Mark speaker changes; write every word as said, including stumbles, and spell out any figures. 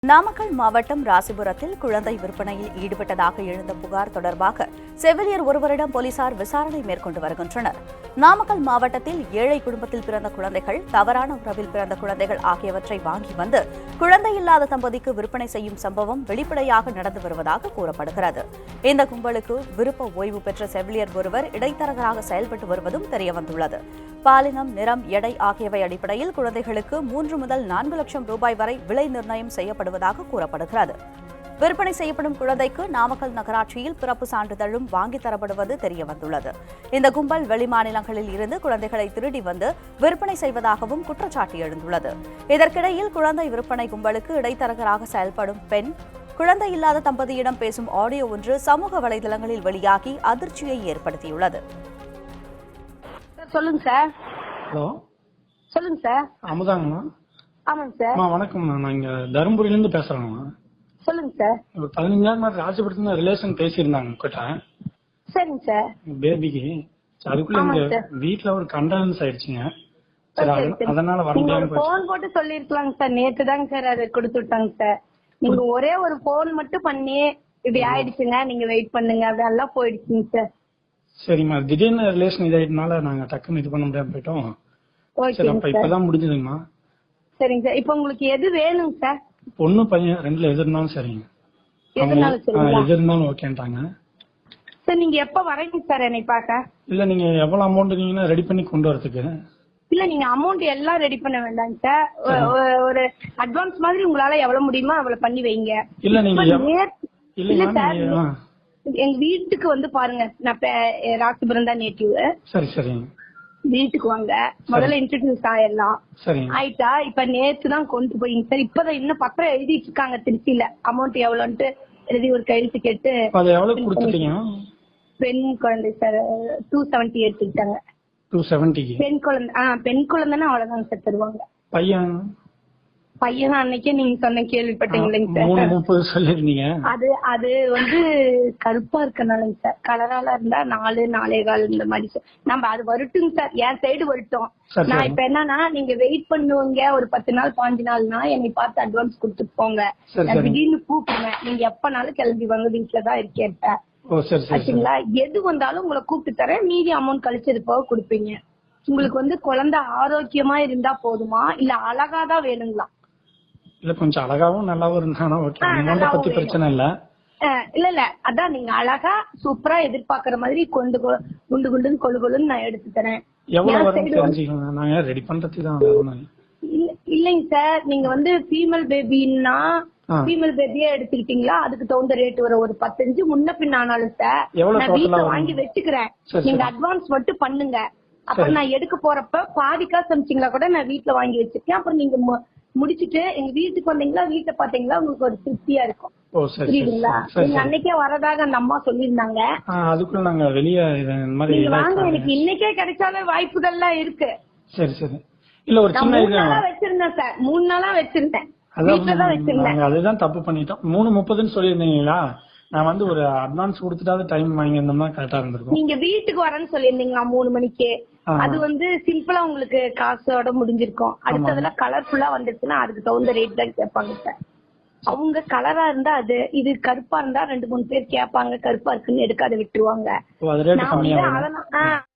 Speaker 1: நாமக்கல் மாவட்டம் ராசிபுரத்தில் குழந்தை விற்பனையில் ஈடுபட்டதாக எழுந்த புகார் தொடர்பாக செவிலியர் ஒருவரிடம் போலீசார் விசாரணை மேற்கொண்டு வருகின்றனர். நாமக்கல் மாவட்டத்தில் ஏழை குடும்பத்தில் பிறந்த குழந்தைகள், தவறான உறவில் பிறந்த குழந்தைகள் ஆகியவற்றை வாங்கி வந்து குழந்தை இல்லாத தம்பதிக்கு விற்பனை செய்யும் சம்பவம் வெளிப்படையாக நடந்து வருவதாக கூறப்படுகிறது. இந்த கும்பலுக்கு விருப்ப ஓய்வு பெற்ற செவிலியர் ஒருவர் இடைத்தரகராக செயல்பட்டு வருவதும் தெரியவந்துள்ளது. பாலினம், நிறம், எடை ஆகியவை அடிப்படையில் குழந்தைகளுக்கு மூன்று முதல் நான்கு லட்சம் ரூபாய் வரை விலை நிர்ணயம் செய்யப்படுவதாக கூறப்படுகிறது. விற்பனை செய்யப்படும் குழந்தைக்கு நாமக்கல் நகராட்சியில் பிறப்பு சான்றிதழும் வாங்கித் தரப்படுவது தெரியவந்துள்ளது. இந்த கும்பல் வெளிமாநிலங்களில் இருந்து குழந்தைகளை திருடி வந்து விற்பனை செய்வதாகவும் குற்றச்சாட்டு எழுந்துள்ளது. இதற்கிடையில் குழந்தை விற்பனை கும்பலுக்கு இடைத்தரகராக செயல்படும் பெண் குழந்தை இல்லாத தம்பதியிடம் பேசும் ஆடியோ ஒன்று சமூக வலைதளங்களில் வெளியாகி அதிர்ச்சியை ஏற்படுத்தியுள்ளது.
Speaker 2: சொல்லுங்க சார்.
Speaker 3: ஹலோ,
Speaker 2: சொல்லுங்க சார்.
Speaker 3: அமுதாங்கம்மா?
Speaker 2: ஆமாங்க சார்.
Speaker 3: அம்மா வணக்கம்ண்ணா, நான் இங்க தருமபுரியில இருந்து பேசுறேங்கம்மா.
Speaker 2: சொல்லுங்க சார்.
Speaker 3: ஒரு பதினஞ்சாயிரம் மாதிரி ராசிபுரத்துல ரிலேஷன் பேசியிருந்தாங்க கிட்ட
Speaker 2: சரிங்க சார்.
Speaker 3: பேபிக்கு. அதுக்குள்ள எங்க வீட்டுல ஒரு கண்டனன்ஸ் ஆயிடுச்சுங்க. சரி, அதனால வர முடியாம
Speaker 2: போன் போட்டு சொல்லிருக்கலாங்க சார். நேத்து தாங்க சார் அதை கொடுத்து விட்டாங்க சார். நீங்க ஒரே ஒரு போன் மட்டும் பண்ணி இப்படி ஆயிடுச்சுங்க, நீங்க வெயிட் பண்ணுங்க அதெல்லாம் போயிடுச்சுங்க சார்.
Speaker 3: சரிம்மா, திடீர்னு ரிலேஷன் இதாயிட்டனால நாங்க டக்குன்னு இது பண்ண முடியாம போயிட்டோம். சரி, அப்ப இப்பதான் முடிஞ்சதுங்கம்மா.
Speaker 2: சரிங்க சார். இப்ப உங்களுக்கு எது வேணுங்க சார்?
Speaker 3: பொண்ணு பையன் ரெண்டுல எது இருந்தாலும் சரிங்க. எது இருந்தாலும் ஓகேன்ட்டாங்க.
Speaker 2: சார் நீங்க எப்ப வரீங்க சார் என்னை பாக்க?
Speaker 3: இல்ல, நீங்க எவ்வளவு அமௌண்ட் நீங்கன்னா ரெடி பண்ணி கொண்டு வரதுக்கு?
Speaker 2: இல்ல, நீங்க அமௌண்ட் எல்லாம் ரெடி பண்ண வேண்டாங்க சார். ஒரு அட்வான்ஸ் மாதிரி உங்களால எவ்வளவு முடியுமோ அவ்வளவு பண்ணி வைங்க.
Speaker 3: இல்ல நீங்க
Speaker 2: இல்ல சார், எங்க வீட்டுக்கு வந்து பாருங்க. நான் ராசிபுரம் தான் நேட்டிவ்.
Speaker 3: சரி சரிங்க.
Speaker 2: வீட்டுக்கு வாங்க, முதல்ல இன்ட்ரோடியூஸ் ஆயிடலாம். ஆயிட்டா இப்ப நேத்து தான் கொண்டு போயிங்க சார். இப்பதான் இன்னும் பத்திரம் எழுதிட்டு இருக்காங்க திருச்சியில. அமௌண்ட் எவ்வளவுன்ட்டு எழுதி ஒரு கையெழுத்து கேட்டு பெண் குழந்தை சார் டூ செவன்டி எடுத்துக்கிட்டாங்க. பெண் குழந்தை ஆஹ் பெண் குழந்தைன்னா அவ்வளவுதாங்க சார் தருவாங்க.
Speaker 3: பையன்
Speaker 2: பையன் அன்னைக்கே நீங்க சொன்ன கேள்விப்பட்டீங்களா சார்? அது அது வந்து கருப்பா இருக்கனாலங்க சார். கலரால இருந்தா நாலு நாலே கால் இந்த மாதிரி சார். நம்ம அது வரட்டுங்க சார், என் சைடு வரட்டும். நான் இப்ப என்னன்னா, நீங்க வெயிட் பண்ணுவீங்க ஒரு பத்து நாள் பாஞ்சு நாள்னா என்னை பார்த்து அட்வான்ஸ் கொடுத்துட்டு போங்க. நான் திடீர்னு கூப்பிடுவேன், நீங்க எப்பனாலும் கிளம்பி வாங்க, வீட்டுலதான் இருக்கேன். ஆச்சுங்களா? எது வந்தாலும் உங்களை கூப்பிட்டு தரேன். மீதி அமௌண்ட் கழிச்சது போக கொடுப்பீங்க. உங்களுக்கு வந்து குழந்தை ஆரோக்கியமா இருந்தா போதுமா இல்ல அழகாதான் வேணுங்களா?
Speaker 3: இல்ல, கொஞ்சம் அழகாவும் நல்லாவும் இருந்தானா ஓகே. அமௌண்ட் பத்தி பிரச்சனை இல்ல.
Speaker 2: இல்ல இல்ல அதான் நீங்க அழகா சூப்பரா எதிர்பார்க்கற மாதிரி கொண்டு குண்டு குண்டுன்னு கொழு கொழுன்னு நான் எடுத்து தரேன்.
Speaker 3: எவ்வளவு வரும் தெரிஞ்சுக்கலாம், நாங்க ரெடி பண்றதுக்கு தான்.
Speaker 2: இல்லைங்க சார், நீங்க வந்து ஃபீமேல் பேபின்னா ஃபீமேல் பேபியே எடுத்துக்கிட்டீங்களா அதுக்கு தகுந்த ரேட் வரும். ஒரு பத்தஞ்சு முன்ன பின் ஆனாலும் சார் நான் வீட்டுல வாங்கி வச்சுக்கிறேன். நீங்க அட்வான்ஸ் மட்டும் பண்ணுங்க. அப்புறம் நான் எடுக்க போறப்ப பாதி காசு அமிச்சிங்களா கூட நான் வீட்டுல வாங்கி வச்சிருக்கேன். அப்புறம் நீங்க முடிச்சிட்டு எங்க வீட்டுக்கு வந்தீங்களா, வீட்டை பாத்தீங்களா, உங்களுக்கு ஒரு திருப்தியா இருக்கும். புரியுதுங்களா? நீங்க அன்னைக்கே வரதாக அந்த அம்மா சொல்லிருந்தாங்க.
Speaker 3: அதுக்குள்ள நாங்க வெளியே
Speaker 2: வாங்க, எனக்கு இன்னைக்கே கிடைச்சாலும் வாய்ப்புகள்லாம் இருக்கு.
Speaker 3: சரி சரி. இல்ல, ஒரு சின்ன
Speaker 2: மூணு நாளா வச்சிருந்தேன் சார். மூணு நாளா வச்சிருந்தேன்.
Speaker 3: அதுதான் தப்பு பண்ணிட்டோம். மூணு முப்பதுன்னு சொல்லிருந்தீங்களா? நான் வந்து ஒரு அட்வான்ஸ் கொடுத்துட்டாவது டைம் வாங்கியிருந்தோம்னா கரெக்டா இருந்திருக்கும்.
Speaker 2: நீங்க வீட்டுக்கு வரேன்னு சொல்லிருந்தீங்களா மூணு மணிக்கு? அது வந்து சிம்பிளா உங்களுக்கு காசோட முடிஞ்சிருக்கும். அடுத்ததுல கலர்ஃபுல்லா வந்துருச்சுன்னா அதுக்கு தகுந்த ரேட் தான் கேட்பாங்க சார். அவங்க கலரா இருந்தா அது, இது கருப்பா இருந்தா ரெண்டு மூணு பேர் கேட்பாங்க. கருப்பா இருக்குன்னு எடுக்காத விட்டுருவாங்க.
Speaker 3: அதெல்லாம்